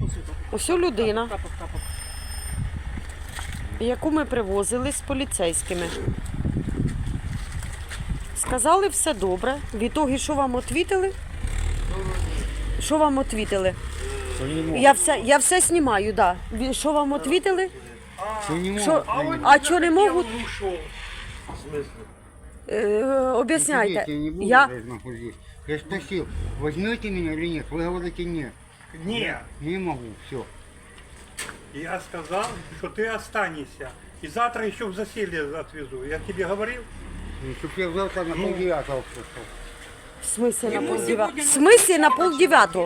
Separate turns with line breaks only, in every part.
Ось людина, яку ми привозили з поліцейськими. Сказали, все добре. В ітогі, що вам відповіли? Що вам відповіли? Я все знімаю, так. Да. Що вам відповіли? А що не можуть? Об'ясняйте.
Я спросил, возьмете меня или нет? Вы говорите нет.
Нет.
Не могу, все.
Я сказал, что ты останешься. И завтра еще в засилье отвезу. Я тебе говорил?
Чтоб я завтра на полдевятого пришел.
В смысле на полдевятого? В смысле на полдевятого?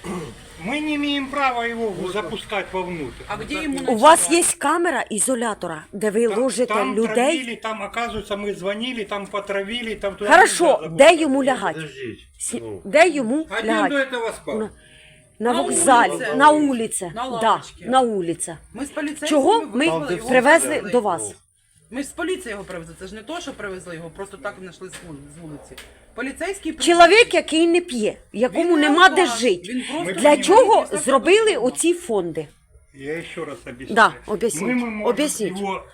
Мы не имеем права его запускать вовнутрь.
А где ему
У вас є камера ізолятора, де ви ложите
Там
людей?
травили, там, оказывается, мы звонили, там потравили, там... туда
Хорошо,
нельзя
де йому лягати?
Подождите.
Де йому
Один до
лягати?
этого спал.
На вокзалі,
вулиці.
на вулиці.
На
Да,
лавочці.
на вулиці.
Ми з поліцейськими
Чого ми
вивезли його,
привезли
привезли
до
його.
вас?
Ми ж з поліції його привезли. Це ж не то, що привезли його, просто так знайшли з вулиці. Поліцейський
Чоловік, який не п'є, якому
Він
нема
не
де
алкаш,
жити.
він просто
Для
не
чого
п'є,
зробили
просто
оці фонди?
Я еще раз объясню.
Да, объясните,
Мы можем
объясните.
его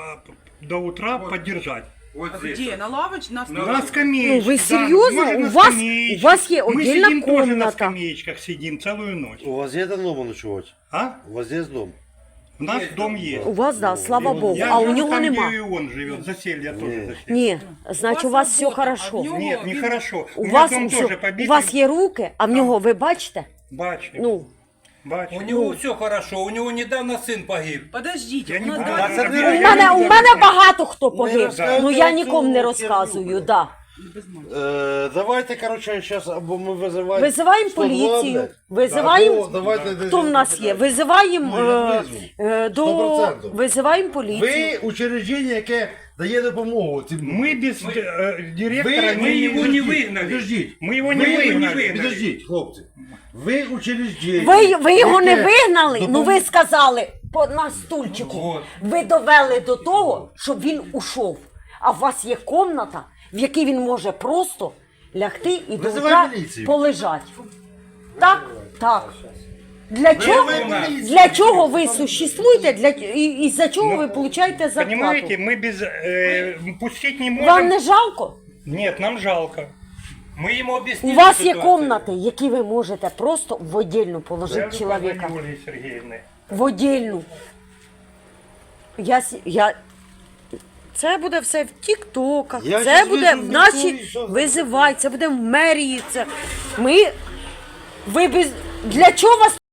до утра поддержать.
Вот
А
здесь.
где? На лавочке?
На скамеечке.
Ну, вы
да.
серьезно?
Может, на
У вас
скамеечке.
есть
Мы
отдельно
сидим тоже на
комната.
скамеечках, сидим целую ночь.
У вас є дома ночувати?
А?
У вас є дом?
У нас дом есть.
У вас, да, слава Богу,
Я
а у
живу
нього
там,
нема.
где и он живет, заселье тоже заселье.
Ні, значить у вас все
робота,
хорошо.
а в нього
Нет,
він-
нехорошо.
У
меня
вас,
дом
все,
тоже
у
побитый.
вас є руки, а в нього, ви бачите?
Бачу.
Ну,
Бачу.
У него все хорошо, у него недавно сын погиб.
Подождіть,
Я
у
не
нас
буду.
далі-
Я не
у
буду.
мене багато хто погиб,
розказуйте
ну я
цю
нікому не
херню.
розказую, да.
Давайте, короче, зараз або ми визиваємо...
Визиваємо
102,
поліцію,
блядь.
визиваємо,
Або давайте десь-
хто в нас є, визиваємо,
Ну, я визву.
до,
100%.
визиваємо поліцію.
Ви учреждення, яке дає допомогу цим...
Мы без директора
Ви
его не выгнали.
Підождіть.
Мы его не выгнали.
Підождіть, хлопці. Ви учреждення...
Ви його не
яке
вигнали, ну ви
допоможе-
сказали на стульчику.
Вот.
Ви довели до того, щоб він ушов. А у вас є комната, в якій він може просто лягти і до
Визивай
утра
міліцію.
полежати. Так? Так. Для чого,
міліцію.
для чого ви существуєте, і за чого ви получаєте зарплату?
Понимаете, мы без... пустить не можем.
Вам не жалко?
Нет, нам жалко.
Мы ему
У
объяснили
вас є
ситуацию.
комнати, які ви можете просто в отдельну положити чоловіка.
Ольги Сергеевны.
В отдельну. Це буде все в тіктоках,
Я
це
щас
буде
візьму
в нашій
телевізор, що
визивай, це буде в мерії. Це... Ви без... Для чого вас